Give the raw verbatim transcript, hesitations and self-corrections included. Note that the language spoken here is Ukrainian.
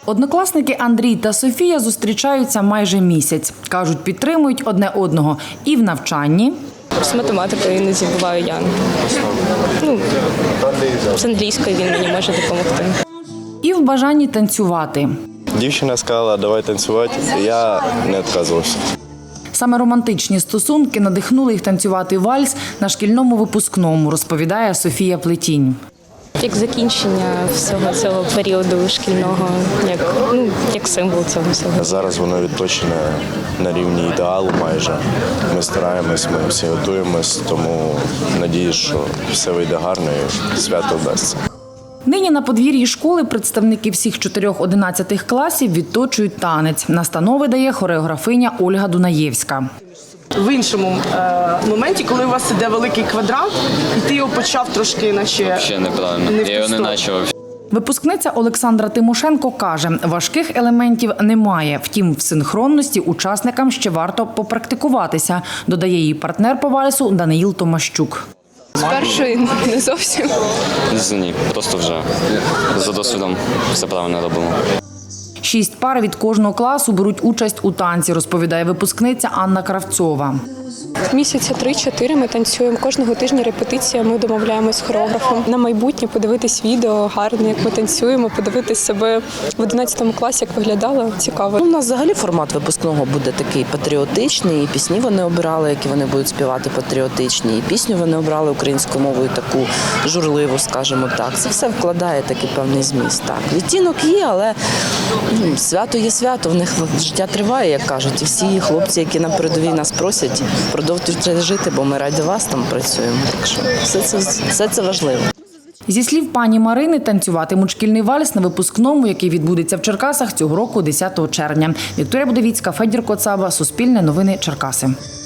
Однокласники Андрій та Софія зустрічаються майже місяць. Кажуть, підтримують одне одного і в навчанні. З математикою іноді буваю я. Ну, з англійською він мені може допомогти. І в бажанні танцювати. Дівчина сказала, давай танцювати, і я не відказувався. Саме романтичні стосунки надихнули їх танцювати вальс на шкільному випускному, розповідає Софія Плетінь. Як закінчення всього цього періоду шкільного, як, ну, як символ цього всього. Зараз воно відточене на рівні ідеалу майже. Ми стараємось, ми всі готуємось, тому надіюсь, що все вийде гарно і свято вдасться. Нині на подвір'ї школи представники всіх чотирьох одинадцятих класів відточують танець. Настанови дає хореографиня Ольга Дунаєвська. В іншому е, моменті, коли у вас іде великий квадрат, і ти його почав трошки наче Ще неправильно, не в я його не ту почав. Випускниця Олександра Тимошенко каже, важких елементів немає. Втім, в синхронності учасникам ще варто попрактикуватися, додає її партнер по вальсу Даниїл Томащук. Спершу не зовсім. Ні, просто вже за досвідом все правильно робимо. Шість пар від кожного класу беруть участь у танці, розповідає випускниця Анна Кравцова. Місяця три-чотири ми танцюємо. Кожного тижня репетиція, ми домовляємось з хореографом. На майбутнє подивитись відео гарне, як ми танцюємо, подивитись себе в одинадцятому класі, як виглядало. Цікаво. У нас взагалі формат випускного буде такий патріотичний. І пісні вони обирали, які вони будуть співати патріотичні. І пісню вони обрали українською мовою таку журливу, скажімо так. Це все вкладає такий певний зміст. Так, відтінок є, але ну, свято є свято, в них життя триває, як кажуть. І всі хлопці, які на передовій нас просять, продовжуйте жити, бо ми раді вас там працюємо. Так що все це, все це важливо. Зі слів пані Марини, танцюватимуть шкільний вальс на випускному, який відбудеться в Черкасах цього року десятого червня. Вікторія Будовіцька, Федір Коцаба, Суспільне новини, Черкаси.